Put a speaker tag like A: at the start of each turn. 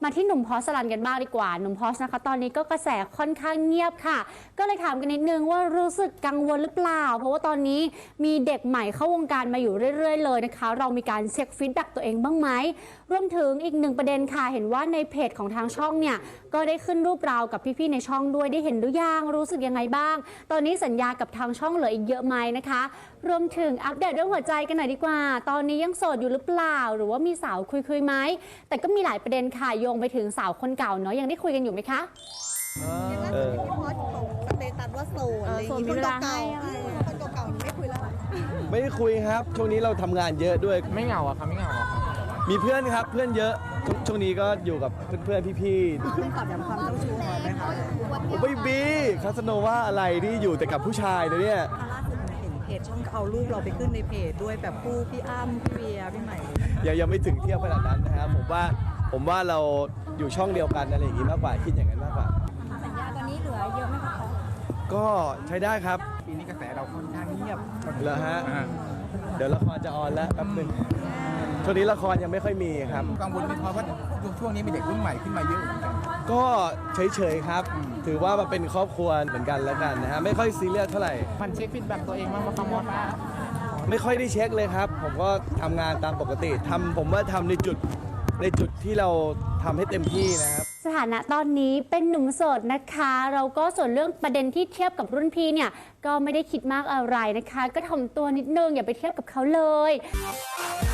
A: มาที่หนุ่มพอสลันกันบ้างดีกว่าหนุ่มพอสนะคะตอนนี้ก็กระแสค่อนข้างเงียบค่ะก็เลยถามกันนิดนึงว่ารู้สึกกังวลหรือเปล่าเพราะว่าตอนนี้มีเด็กใหม่เข้าวงการมาอยู่เรื่อยๆเลยนะคะเรามีการเช็คฟีดแบ็กตัวเองบ้างไหมรวมถึงอีกหนึ่งประเด็นค่ะเห็นว่าในเพจของทางช่องเนี่ยก็ได้ขึ้นรูปเรากับพี่ๆในช่องด้วยได้เห็นหรือยังรู้สึกยังไงบ้างตอนนี้สัญญากับทางช่องเหลืออีกเยอะไหมนะคะรวมถึงอัปเดตเรื่องหัวใจกันหน่อยดีกว่าตอนนี้ยังโสดอยู่หรือเปล่าหรือว่ามีสาวคุยไหมแต่ก็มีหลายประเด็นค่ะโยงไปถึงสาวคนเก่าเนาะยังได้คุยกันอยู่ไหมคะ
B: พี่พอสของสเตตัสว่าโสดอะไรอย่างงี้คนเก่าๆคนเก่าๆไม่คุยแล้ว
C: ไม่ได้คุยครับช่วงนี้เราทำงานเยอะด้วย
D: ไม่เหงาอะครับไม่เหงาอะครับ
C: มีเพื่อนครับเพื่อนเยอะช่วงนี้ก็อยู่กับเพื่อนๆพี่
B: ๆเป็นตอบย้ำความเจ้าชู้หน่อยไหมคะ
C: ๆไม่บีคาสโนว่าอะไรที่อยู่แต่กับผู้ชายนะเนี่ย
B: ล่าสุดเห็นเพจช่องเอารูปเราไปขึ้นในเพจด้วยแบบคู่พี่อ้ำพี่เวียพี่ใหม่
C: ยังไม่ถึงเที่ยวขนาดนั้นนะครับผมว่าเราอยู่ช่องเดียวกันอะไรอย่างงี้มากกว่าคิดอย่างนั้นมากกว่า
B: สัญญาตอนนี้เหลือเยอะไหมคะ
C: ก็ใช้ได้ครับ
D: ปีนี้กระแสเราค่อนข้างเงียบ
C: เหรอฮะเดี๋ยวละครจะออนแล้วแป๊บนึงช่วงนี้ละครยังไม่ค่อยมีครับ
D: กังวลไหมเพราะว่าช่วงนี้มีเด็กรุ่นใหม่ขึ้นมาเยอะเหมือนกัน
C: ก็เฉยๆครับถือว่ามาเป็นครอบครัวเหมือนกันแล้วกันนะฮะไม่ค่อยซีเรียสเท่าไหร่
D: มันเช็คฟีดแบ็กตัวเองบ้างว่าคำว่า
C: ไม่ค่อยได้เช็คเลยครับผมก็ทำงานตามปกติผมว่าทำในจุดที่เราทำให้เต็มที่นะครับ
A: สถานะตอนนี้เป็นหนุ่มโสดนะคะเราก็ส่วนเรื่องประเด็นที่เทียบกับรุ่นพี่เนี่ยก็ไม่ได้คิดมากอะไรนะคะก็ถ่อมตัวนิดนึงอย่าไปเทียบกับเขาเลย